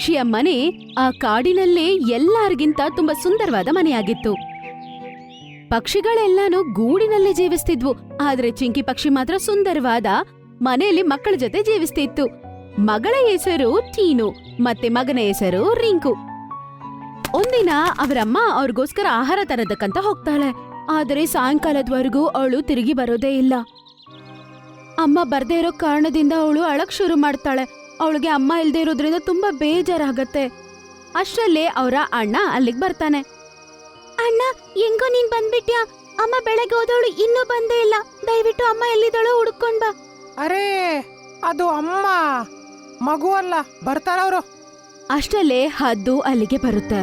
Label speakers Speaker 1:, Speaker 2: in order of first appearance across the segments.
Speaker 1: ಪಕ್ಷಿಯ ಮನೆ ಆ ಕಾಡಿನಲ್ಲೇ ಎಲ್ಲರಿಗಿಂತ ತುಂಬಾ ಸುಂದರವಾದ ಮನೆಯಾಗಿತ್ತು. ಪಕ್ಷಿಗಳೆಲ್ಲಾನು ಗೂಡಿನಲ್ಲೇ ಜೀವಿಸ್ತಿದ್ವು. ಆದ್ರೆ ಚಿಂಕಿ ಪಕ್ಷಿ ಮಾತ್ರ ಸುಂದರವಾದ ಮನೆಯಲ್ಲಿ ಮಕ್ಕಳ ಜೊತೆ ಜೀವಿಸ್ತಿತ್ತು. ಮಗಳ ಹೆಸರು ಟೀನು ಮತ್ತೆ ಮಗನ ಹೆಸರು ರಿಂಕು. ಒಂದಿನ ಅವರಮ್ಮ ಅವ್ರಿಗೋಸ್ಕರ ಆಹಾರ ತರೋದಕ್ಕಂತ ಹೋಗ್ತಾಳೆ. ಆದರೆ ಸಾಯಂಕಾಲದವರೆಗೂ ಅವಳು ತಿರುಗಿ ಬರೋದೇ ಇಲ್ಲ. ಅಮ್ಮ ಬರ್ದೇ ಇರೋ ಕಾರಣದಿಂದ ಅವಳು ಅಳಕ್ ಶುರು ಮಾಡ್ತಾಳೆ. ಅವಳಿಗೆ ಅಮ್ಮ ಇಲ್ದೇ ಇರೋದ್ರಿಂದ ತುಂಬಾ ಬೇಜಾರಾಗತ್ತೆ. ಅಷ್ಟರಲ್ಲೇ ಅವರ ಅಣ್ಣ ಅಲ್ಲಿಗೆ ಬರ್ತಾನೆ. ಅಣ್ಣ, ಹೆಂಗೋ ನೀನ್ ಬಂದ್ಬಿಟ್ಯಾ? ಅಮ್ಮ ಬೆಳಗ್ಗೆ ಹೋದವಳು ಇನ್ನೂ ಬಂದೇ ಇಲ್ಲ. ದಯವಿಟ್ಟು ಅಮ್ಮ ಎಲ್ಲಿದ್ದಾಳೋ ಹುಡ್ಕೊಂಡ್ ಬಾ.
Speaker 2: ಅರೇ, ಅದು ಅಮ್ಮ, ಮಗು ಅಲ್ಲ, ಬರ್ತಾರವ್ರು.
Speaker 1: ಅಷ್ಟರಲ್ಲೇ ಹದ್ದು ಅಲ್ಲಿಗೆ ಬರುತ್ತೆ.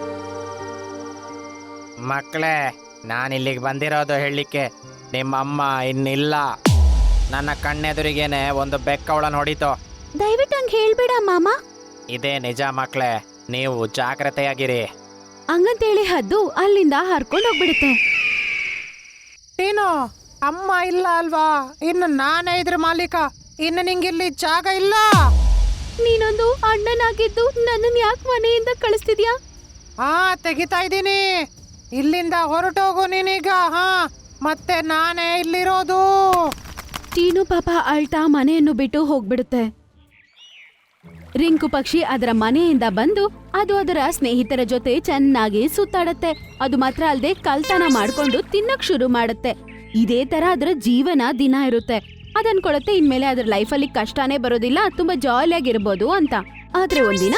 Speaker 3: ಮಕ್ಕಳೇ, ನಾನಿಲ್ಲಿಗೆ ಬಂದಿರೋದು ಹೇಳಲಿಕ್ಕೆ ನಿಮ್ಮಮ್ಮ ಇನ್ನಿಲ್ಲ. ನನ್ನ ಕಣ್ಣೆದುರಿಗೇನೆ ಒಂದು ಬೆಕ್ಕವಳ ನೋಡಿತು.
Speaker 1: ದಯವಿಟ್ಟು ಹಂಗ್ ಹೇಳ್ಬೇಡ ಮಾಮ.
Speaker 3: ಇದೇ ನಿಜ ಮಕ್ಕಳೇ, ನೀವು ಜಾಗ್ರತೆಯಾಗಿರಿ.
Speaker 1: ಹಂಗಂತೇಳಿ ಹದ್ದು ಅಲ್ಲಿಂದ ಹರ್ಕೊಂಡು ಹೋಗ್ಬಿಡುತ್ತೆ.
Speaker 2: ಟೀನು, ಅಮ್ಮ ಇಲ್ಲ ಅಲ್ವಾ? ಇನ್ನು ನಾನೇ ಇದ್ರ ಮಾಲೀಕ. ಇನ್ನು ನಿಂಗಿಲ್ಲಿ ಜಾಗ ಇಲ್ಲ.
Speaker 1: ನೀನೊಂದು ಅಣ್ಣನಾಗಿದ್ದು ನನ್ನನ್ ಯಾಕೆ ಮನೆಯಿಂದ ಕಳಿಸ್ತಿದ್ಯಾ?
Speaker 2: ತೆಗಿತಾ ಇದ್ದೀನಿ. ಇಲ್ಲಿಂದ ಹೊರಟೋಗು ನೀನೀಗ. ಮತ್ತೆ ನಾನೇ ಇಲ್ಲಿರೋದು.
Speaker 1: ಟೀನು ಪಾಪ ಅಳ್ತಾ ಮನೆಯನ್ನು ಬಿಟ್ಟು ಹೋಗ್ಬಿಡುತ್ತೆ. ರಿಂಕು ಪಕ್ಷಿ ಅದರ ಮನೆಯಿಂದ ಬಂದು ಅದು ಅದರ ಸ್ನೇಹಿತರ ಜೊತೆ ಚೆನ್ನಾಗಿ ಸುತ್ತಾಡತ್ತೆ. ಅದು ಮಾತ್ರ ಅಲ್ಲದೆ ಕಳ್ತನ ಮಾಡ್ಕೊಂಡು ತಿನ್ನಕ್ ಶುರು ಮಾಡುತ್ತೆ. ಇದೇ ತರ ಅದರ ಜೀವನ ದಿನ ಇರುತ್ತೆ. ಅದನ್ಕೊಳತ್ತೆ ಇನ್ಮೇಲೆ ಅದ್ರ ಲೈಫಲ್ಲಿ ಕಷ್ಟನೇ ಬರೋದಿಲ್ಲ, ತುಂಬಾ ಜಾಲಿಯಾಗಿರ್ಬೋದು ಅಂತ. ಆದ್ರೆ ಒಂದಿನ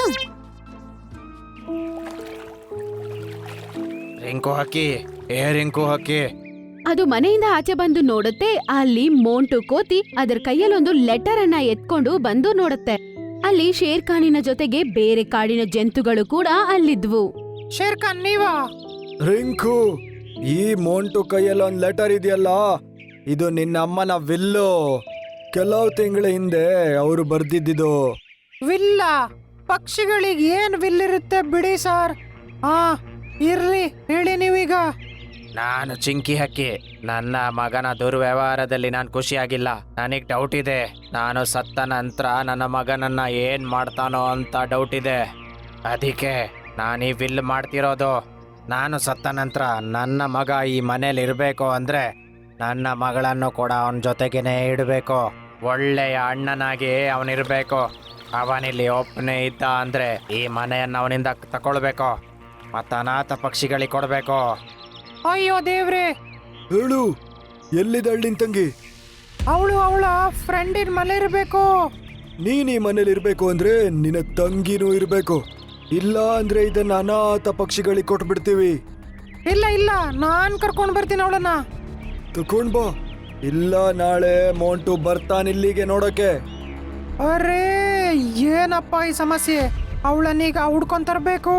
Speaker 3: ರಿಂಕು ಹಕ್ಕಿ, ರಿಂಕು ಹಕ್ಕಿ,
Speaker 1: ಅದು ಮನೆಯಿಂದ ಆಚೆ ಬಂದು ನೋಡುತ್ತೆ. ಅಲ್ಲಿ ಮೋಂಟು ಕೋತಿ ಅದರ ಕೈಯಲ್ಲೊಂದು ಲೆಟರ್ ಅನ್ನ ಎತ್ಕೊಂಡು ಬಂದು ನೋಡುತ್ತೆ. ಅಲ್ಲಿ ಶೇರ್ ಖಾನಿನ ಜೊತೆಗೆ ಬೇರೆ ಕಾಡಿನ ಜಂತುಗಳು ಕೂಡ ಅಲ್ಲಿದ್ವು.
Speaker 2: ಶೇರ್ ಖಾನ್ ನೀವಾ?
Speaker 4: ರಿಂಕು, ಈ ಮೋಂಟು ಕೈಯಲ್ಲಿ ಒಂದು ಲೆಟರ್ ಇದೆಯಲ್ಲ, ಇದು ನಿನ್ನ ಅಮ್ಮನ ವಿಲ್ಲು. ಕೆಲವು ತಿಂಗಳ ಹಿಂದೆ ಅವರು ಬರ್ದಿದ್ದು.
Speaker 2: ವಿಲ್ಲ? ಪಕ್ಷಿಗಳಿಗೆ ಏನ್ ವಿಲ್ ಇರುತ್ತೆ ಬಿಡಿ ಸರ್. ಇರ್ಲಿ, ಹೇಳಿ ನೀವೀಗ.
Speaker 3: ನಾನು ಚಿಂಕಿ ಹಕ್ಕಿ. ನನ್ನ ಮಗನ ದುರ್ವ್ಯವಹಾರದಲ್ಲಿ ನಾನು ಖುಷಿಯಾಗಿಲ್ಲ. ನನಗೆ ಡೌಟ್ ಇದೆ. ನಾನು ಸತ್ತ ನಂತರ ನನ್ನ ಮಗನನ್ನ ಏನ್ ಮಾಡ್ತಾನೋ ಅಂತ ಡೌಟ್ ಇದೆ. ಅದಕ್ಕೆ ನಾನು ಈ ವಿಲ್ ಮಾಡ್ತಿರೋದು. ನಾನು ಸತ್ತ ನಂತರ ನನ್ನ ಮಗ ಈ ಮನೇಲಿ ಇರಬೇಕು ಅಂದ್ರೆ ನನ್ನ ಮಗಳನ್ನು ಕೂಡ ಅವನ ಜೊತೆಗೇನೆ ಇಡಬೇಕು. ಒಳ್ಳೆಯ ಅಣ್ಣನಾಗಿ ಅವನಿರ್ಬೇಕು. ಅವನಿಲ್ಲಿ ಒಬ್ಬನೇ ಇದ್ದ ಅಂದ್ರೆ ಈ ಮನೆಯನ್ನು ಅವನಿಂದ ತಕೊಳ್ಬೇಕು ಮತ್ತು ಅನಾಥ ಪಕ್ಷಿಗಳಿಗೆ ಕೊಡಬೇಕು.
Speaker 2: ಅಯ್ಯೋ ದೇವ್ರೆ!
Speaker 4: ಹೇಳು, ಎಲ್ಲಿದ್ದಾಳೆ ನಿನ್ ತಂಗಿ?
Speaker 2: ಅವಳು ಅವಳ ಫ್ರೆಂಡಿನ ಮನೆ ಇರಬೇಕು.
Speaker 4: ನೀನ್ ಈ ಮನೇಲಿ ಇರ್ಬೇಕು ಅಂದ್ರೆ ನಿನ್ನ ತಂಗಿನೂ ಇರ್ಬೇಕು. ಇಲ್ಲ ಅಂದ್ರೆ ಇದನ್ನ ಅನಾಥ ಪಕ್ಷಿಗಳಿಗೆ ಕೊಟ್ಬಿಡ್ತೀವಿ.
Speaker 2: ಇಲ್ಲ ಇಲ್ಲ, ನಾನ್ ಕರ್ಕೊಂಡ್ ಬರ್ತೀನಿ ಅವಳನ್ನ.
Speaker 4: ತಕೊಂಡ್ ಬಾ. ಇಲ್ಲ ನಾಳೆ ಮೋಂಟು ಬರ್ತಾನಿಲ್ಲಿಗೆ ನೋಡಕ್ಕೆ.
Speaker 2: ಅರೇ, ಏನಪ್ಪ ಈ ಸಮಸ್ಯೆ? ಅವಳನ್ನೀಗ ಹುಡ್ಕೊಂಡ್ ತರ್ಬೇಕು.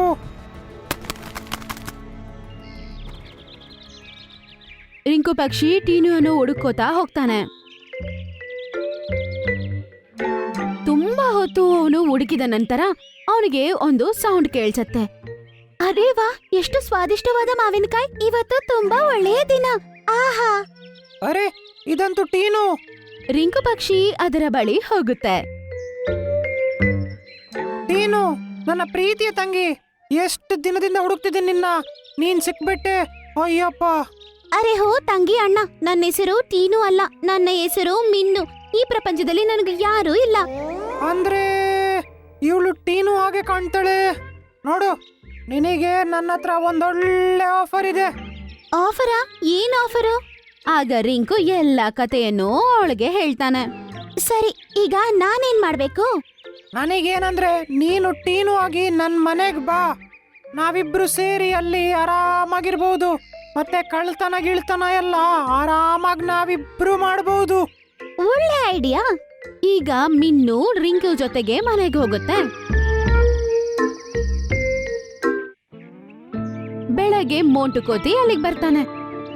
Speaker 1: ರಿಂಕು ಪಕ್ಷಿ ಟೀನುವನ್ನು ಹುಡುಕೋತಾ ಹೋಗ್ತಾನೆ. ತುಂಬಾ ಹೊತ್ತು ಅವನು ಹುಡುಕಿದ ನಂತರ ಅವನಿಗೆ ಒಂದು ಸೌಂಡ್ ಕೇಳಿಸತ್ತೆ. ಅದೇ ವಾ, ಎಷ್ಟು ಸ್ವಾದಿಷ್ಟವಾದ ಮಾವಿನಕಾಯಿ! ಇವತ್ತು ತುಂಬಾ ಒಳ್ಳೆಯ ದಿನ. ಆಹಾ!
Speaker 2: ಅರೆ, ಇದಂತೂ ಟೀನು.
Speaker 1: ರಿಂಕು ಪಕ್ಷಿ ಅದರ ಬಳಿ ಹೋಗುತ್ತೆ.
Speaker 2: ಟೀನು, ನನ್ನ ಪ್ರೀತಿಯ ತಂಗಿ, ಎಷ್ಟು ದಿನದಿಂದ ಹುಡುಕ್ತಿದ್ದೀನಿ ನಿನ್ನ. ನೀನ್ ಸಿಕ್ಬಿಟ್ಟೆ. ಅಯ್ಯಪ್ಪ!
Speaker 1: ಅರೆ ಹೋ ತಂಗಿ ಅಣ್ಣ, ನನ್ನ ಹೆಸರು ಟೀನು ಅಲ್ಲ, ನನ್ನ ಹೆಸರು ಮಿನ್ನು. ಈ ಪ್ರಪಂಚದಲ್ಲಿ ನನಗೆ ಯಾರೂ ಇಲ್ಲ.
Speaker 2: ಅಂದ್ರೆ ಇವಳು ಟೀನು ಹಾಗೆ ಕಾಣ್ತಾಳೆ. ನೋಡು, ನಿನಗೆ ನನ್ನ ಹತ್ರ ಒಂದೊಳ್ಳೆ ಆಫರ್ ಇದೆ.
Speaker 1: ಆಫರಾ? ಏನ್ ಆಫರು? ಆಗ ರಿಂಕು ಎಲ್ಲ ಕಥೆಯನ್ನು ಅವಳಿಗೆ ಹೇಳ್ತಾನೆ. ಸರಿ, ಈಗ ನಾನೇನ್ ಮಾಡ್ಬೇಕು?
Speaker 2: ನನಗೇನಂದ್ರೆ ನೀನು ಟೀನು ಆಗಿ ನನ್ ಮನೆಗ್ ಬಾ. ನಾವಿಬ್ರು ಸೇರಿ ಅಲ್ಲಿ ಆರಾಮಾಗಿರ್ಬಹುದು. ಮತ್ತೆ ಕಳ್ತನ ಗಿಳ್ತನ ಎಲ್ಲ ಆರಾಮಾಗಿ ನಾವಿಬ್ರು ಮಾಡಬಹುದು.
Speaker 1: ಒಳ್ಳೆ ಐಡಿಯಾ. ಈಗ ಮಿನ್ನು ರಿಂಕು ಜೊತೆಗೆ ಮನೆಗೆ ಹೋಗುತ್ತೆ. ಬೆಳಗ್ಗೆ ಮೋಂಟು ಕೋತಿ ಅಲ್ಲಿಗೆ ಬರ್ತಾನೆ.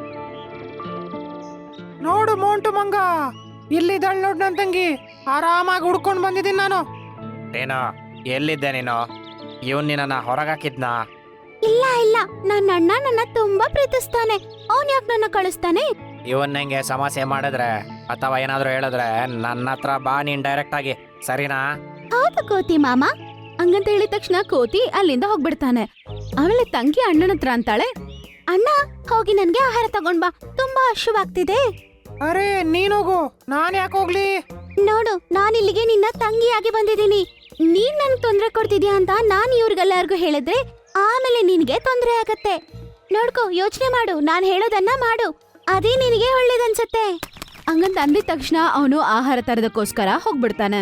Speaker 2: ನೋಡು ಮೋಂಟು ಮಂಗ, ಇಲ್ಲಿದ್ದಾಳ್ ನೋಡ್ ನನ್ ತಂಗಿ. ಆರಾಮಾಗಿ ಹುಡ್ಕೊಂಡ್ ಬಂದಿದ್ದೀನಿ ನಾನು.
Speaker 3: ಏನೋ, ಎಲ್ಲಿದ್ದೆ ನೀನು? ಇವನ್ ನಿನ್ನ ಹೊರಗಾಕಿದ್ನಾ?
Speaker 1: ಇಲ್ಲ ಇಲ್ಲ, ನನ್ನ ಅಣ್ಣ ನನ್ನ ತುಂಬಾ ಪ್ರೀತಿಸ್ತಾನೆ. ಅವನ್ ಯಾಕೆ ನನ್ನ ಕಳಿಸ್ತಾನೆ?
Speaker 3: ಇವನ್ ನಂಗೆ ಸಮಸ್ಯೆ ಮಾಡಿದ್ರೆ ಅಥವಾ ಏನಾದ್ರು ಹೇಳಿದ್ರೆ ನನ್ನ ಹತ್ರ ಬಾ ನೀನ್ ಡೈರೆಕ್ಟ್ ಆಗಿ, ಸರಿನಾ?
Speaker 1: ಹೌದು ಕೋತಿ ಮಾಮ. ಹಂಗಂತ ಹೇಳಿದ ತಕ್ಷಣ ಕೋತಿ ಅಲ್ಲಿಂದ ಹೋಗ್ಬಿಡ್ತಾನೆ. ಆಮೇಲೆ ತಂಗಿ ಅಣ್ಣನ ಹತ್ರ ಅಂತಾಳೆ, ಅಣ್ಣ ಹೋಗಿ ನನ್ಗೆ ಆಹಾರ ತಗೊಂಡ್ ಬಾ, ತುಂಬಾ ಹಶುವಾಗ್ತಿದೆ.
Speaker 2: ಅರೆ ನೀನೋಗು, ನಾನ್ ಯಾಕೆ ಹೋಗ್ಲಿ?
Speaker 1: ನೋಡು, ನಾನಿಲ್ಲಿಗೆ ನಿನ್ನ ತಂಗಿಯಾಗಿ ಬಂದಿದ್ದೀನಿ. ನೀನ್ ನನ್ಗೆ ತೊಂದ್ರೆ ಕೊಡ್ತಿದ್ಯಾ ಅಂತ ನಾನ್ ಇವ್ರಿಗೆಲ್ಲರಿಗೂ ಹೇಳಿದ್ರೆ ಆಮೇಲೆ ನಿನ್ಗೆ ತೊಂದ್ರೆ ಆಗತ್ತೆ. ನೋಡ್ಕೋ, ಯೋಚನೆ ಮಾಡು, ನಾನ್ ಹೇಳೋದನ್ನ ಮಾಡು, ಅದೇ ನಿನಗೆ ಒಳ್ಳೇದನ್ಸತ್ತೆ. ಹಂಗಂತ ಅಂದಿದ ತಕ್ಷಣ ಅವನು ಆಹಾರ ತರದಕ್ಕೋಸ್ಕರ ಹೋಗ್ಬಿಡ್ತಾನೆ.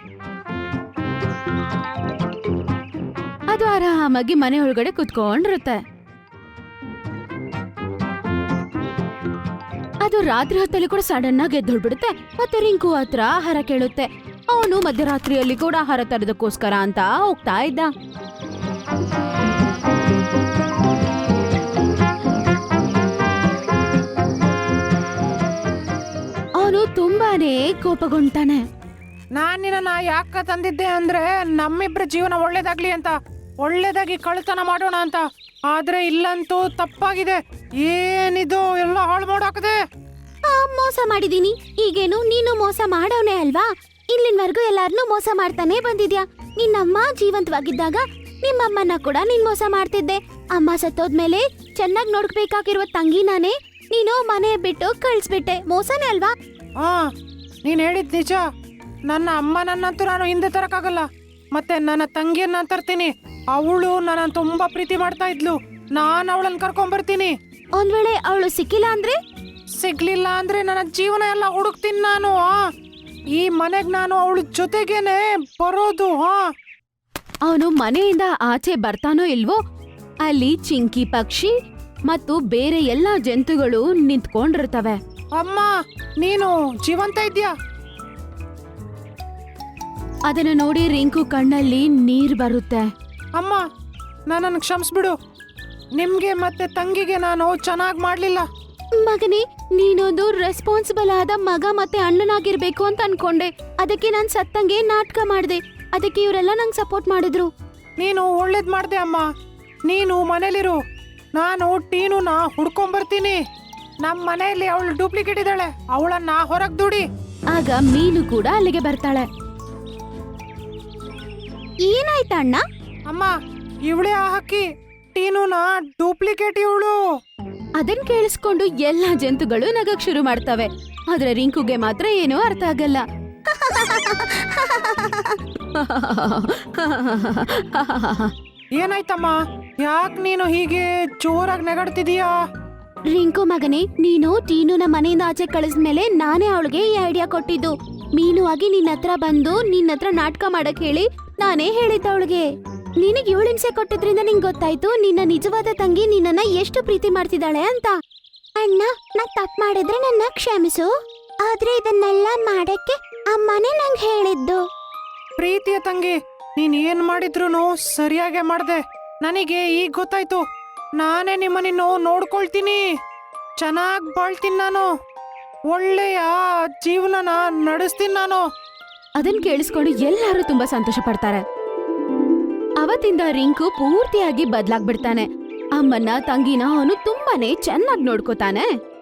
Speaker 1: ಅದು ಆರಾಮಾಗಿ ಮನೆ ಒಳಗಡೆ ಕುತ್ಕೊಂಡಿರುತ್ತೆ. ಅದು ರಾತ್ರಿ ಹೊತ್ತಲ್ಲಿ ಕೂಡ ಸಡನ್ ಆಗಿ ಎದ್ದೊಳ್ಬಿಡುತ್ತೆ. ಮತ್ತೆ ರಿಂಕು ಹತ್ರ ಆಹಾರ ಕೇಳುತ್ತೆ. ಅವನು ಮಧ್ಯರಾತ್ರಿಯಲ್ಲಿ ಕೂಡ ಆಹಾರ ತರದಕ್ಕೋಸ್ಕರ ಅಂತ ಹೋಗ್ತಾ ಇದ್ದ. ಅವನು ತುಂಬಾನೇ ಕೋಪಗೊಂಡ್ತಾನೆ.
Speaker 2: ನಾನ್ ನಿನ್ನ ಯಾಕ ತಂದಿದ್ದೆ ಅಂದ್ರೆ ನಮ್ಮಿಬ್ರ ಜೀವನ ಒಳ್ಳೇದಾಗ್ಲಿ ಅಂತ, ಒಳ್ಳೇದಾಗಿ ಕಳ್ತನ ಮಾಡೋಣ ಅಂತ. ಆದ್ರೆ ಇಲ್ಲಂತೂ ತಪ್ಪಾಗಿದೆ. ಏನಿದು ಎಲ್ಲ ಹಾಳು ಮಾಡಾಕದೆ.
Speaker 1: ಮೋಸ ಮಾಡಿದೀನಿ. ಈಗೇನು ನೀನು ಮೋಸ ಮಾಡವನೇ ಅಲ್ವಾ? ಇಲ್ಲಿನವರೆಗೂ ಎಲ್ಲಾರನ್ನೂ ಮೋಸ ಮಾಡ್ತಾನೆ ಬಂದಿದ್ಯಾ. ನಿನ್ನಮ್ಮ ಜೀವಂತವಾಗಿದ್ದಾಗ ನಿಮ್ಮಮ್ಮನ ಕೂಡ ನೀನ್ ಮೋಸ ಮಾಡ್ತಿದ್ದೆ. ಅಮ್ಮ ಸತ್ತೋದ್ಮೇಲೆ ಚೆನ್ನಾಗಿ ನೋಡ್ಬೇಕಾಗಿರುವ ತಂಗಿನಾನೇ ನೀನು ಮನೆ ಬಿಟ್ಟು ಕಳ್ಸ್ಬಿಟ್ಟೆ. ಮೋಸನೇ ಅಲ್ವಾ?
Speaker 2: ಹಾ, ನೀನ್ ಹೇಳಿದ್ ನಿಜ. ನನ್ನ ಅಮ್ಮನನ್ನಂತೂ ನಾನು ಹಿಂದೆ ತರಕಾಗಲ್ಲ. ಮತ್ತೆ ನನ್ನ ತಂಗಿಯನ್ನ ತರ್ತೀನಿ. ಅವಳು ನನ್ನ ತುಂಬಾ ಪ್ರೀತಿ ಮಾಡ್ತಾ ಇದ್ಲು. ನಾನ್ ಅವಳನ್ನ ಕರ್ಕೊಂಡ್ ಬರ್ತೀನಿ.
Speaker 1: ಒಂದ್ ವೇಳೆ ಅವಳು ಸಿಕ್ಕಿಲ್ಲ ಅಂದ್ರೆ?
Speaker 2: ಸಿಗ್ಲಿಲ್ಲ ಅಂದ್ರೆ ನನ್ನ ಜೀವನ ಎಲ್ಲ ಹುಡುಕ್ತೀನಿ ನಾನು. ಈ ಮನೆಗ್ ನಾನು ಅವಳ ಜೊತೆಗೇನೆ ಬರೋದು.
Speaker 1: ಅವನು ಮನೆಯಿಂದ ಆಚೆ ಬರ್ತಾನೋ ಇಲ್ವೋ, ಅಲ್ಲಿ ಚಿಂಕಿ ಪಕ್ಷಿ ಮತ್ತು ಬೇರೆ ಎಲ್ಲಾ ಜಂತುಗಳು ನಿಂತ್ಕೊಂಡಿರ್ತವೆ.
Speaker 2: ಅಮ್ಮ, ನೀನು ಜೀವಂತ ಇದ್ಯಾ?
Speaker 1: ಅದನ್ನ ನೋಡಿ ರಿಂಕು ಕಣ್ಣಲ್ಲಿ ನೀರ್ ಬರುತ್ತೆ.
Speaker 2: ಅಮ್ಮ, ನನ್ನನ್ನು ಕ್ಷಮಿಸ್ಬಿಡು. ನಿಮ್ಗೆ ಮತ್ತೆ ತಂಗಿಗೆ ನಾನು ಚೆನ್ನಾಗ್ ಮಾಡ್ಲಿಲ್ಲ.
Speaker 1: ಮಗನೇ, ನೀನೊಂದು ರೆಸ್ಪಾನ್ಸಿಬಲ್ ಆದ ಮಗ ಮತ್ತೆ ಅಣ್ಣನಾಗಿರ್ಬೇಕು ಅಂತ ಅನ್ಕೊಂಡೆ. ಅದಕ್ಕೆ ನಾನ್ ಸತ್ತಂಗೆ ನಾಟಕ ಮಾಡ್ದೆ. ಅದಕ್ಕೆ ಇವರೆಲ್ಲ ನಂಗೆ ಸಪೋರ್ಟ್ ಮಾಡಿದ್ರು.
Speaker 2: ನೀನು ಒಳ್ಳೇದ್ ಮಾಡ್ದೆ ಅಮ್ಮ. ನೀನು ಮನೇಲಿರು, ನಾನು ಟೀನುನ ಹುಡ್ಕೊಂಬರ್ತೀನಿ. ನಮ್ಮ ಮನೆಯಲ್ಲಿ ಅವಳು ಡೂಪ್ಲಿಕೇಟ್ ಇದ್ದಾಳೆ, ಅವಳನ್ನ ಹೊರಗ್ ದುಡಿ.
Speaker 1: ಆಗ ಮೀನು ಕೂಡ ಅಲ್ಲಿಗೆ ಬರ್ತಾಳೆ. ಏನಾಯ್ತ ಅಣ್ಣ?
Speaker 2: ಅಮ್ಮ, ಇವಳೇ ಆ ಹಕ್ಕಿ, ಟೀನುನ ಡೂಪ್ಲಿಕೇಟ್ ಇವಳು.
Speaker 1: ಅದನ್ ಕೇಳಿಸ್ಕೊಂಡು ಎಲ್ಲಾ ಜಂತುಗಳು ನಗಕ್ ಶುರು ಮಾಡ್ತವೆ. ಆದ್ರೆ ರಿಂಕುಗೆ ಮಾತ್ರ ಏನೂ ಅರ್ಥ ಆಗಲ್ಲ.
Speaker 2: ಏನಾಯ್ತಮ್ಮ? ಯಾಕ್ ನೀನು ಹೀಗೆ ಜೋರಾಗಿ ನೆಗಡ್ತಿದೀಯಾ?
Speaker 1: ರಿಂಕು ಮಗನೇ, ನೀನು ಟೀನುನ ಮನೆಯಿಂದ ಆಚೆ ಕಳಿಸ್ಮೇಲೆ ನಾನೇ ಅವಳಿಗೆ ಈ ಐಡಿಯಾ ಕೊಟ್ಟಿದ್ದು. ಮೀನು ಆಗಿ ನಿನ್ನ ಹತ್ರ ಬಂದು ನಿನ್ನ ಹತ್ರ ನಾಟಕ ಮಾಡಕ್ ಹೇಳಿ ನಾನೇ ಹೇಳಿದ್ದ ಅವಳಿಗೆ. ನಿನಗೆ 7 ಹಿಂಸೆ ಕೊಟ್ಟಿದ್ರಿಂದ ನಿಂಗೆ ಗೊತ್ತಾಯ್ತು ನಿನ್ನ ನಿಜವಾದ ತಂಗಿ ನಿನ್ನನ್ನ ಎಷ್ಟು ಪ್ರೀತಿ ಮಾಡ್ತಿದ್ದಾಳೆ ಅಂತ. ಅಣ್ಣ, ನಾ ತಪ್ಪು ಮಾಡಿದ್ರೆ ನನ್ನ ಕ್ಷಮಿಸು. ಆದ್ರೆ ಇದನ್ನೆಲ್ಲ ಮಾಡಕ್ಕೆ ಅಮ್ಮನೇ ನಂಗೆ ಹೇಳಿದ್ದು.
Speaker 2: ಪ್ರೀತಿಯ ತಂಗಿ, ನೀನ್ ಏನ್ ಮಾಡಿದ್ರು ಸರಿಯಾಗೆ ಮಾಡ್ದೆ. ನನಗೆ ಈಗ ಗೊತ್ತಾಯ್ತು. ನಾನೇ ನಿಮ್ಮನ್ನು ನೋಡ್ಕೊಳ್ತೀನಿ. ಚೆನ್ನಾಗ್ ಬಾಳ್ತೀನಿ ನಾನು. ಒಳ್ಳೆಯ ಜೀವನನ ನಡೆಸ್ತೀನಿ ನಾನು.
Speaker 1: ಅದನ್ ಕೇಳಿಸ್ಕೊಂಡು ಎಲ್ಲರೂ ತುಂಬಾ ಸಂತೋಷ ಪಡ್ತಾರೆ. ಅವತ್ತಿಂದ ರಿಂಕು ಪೂರ್ತಿಯಾಗಿ ಬದ್ಲಾಗ್ಬಿಡ್ತಾನೆ. ಅಮ್ಮನ್ನ ತಂಗಿನ ಅವನು ತುಂಬಾನೇ ಚೆನ್ನಾಗಿ ನೋಡ್ಕೋತಾನೆ.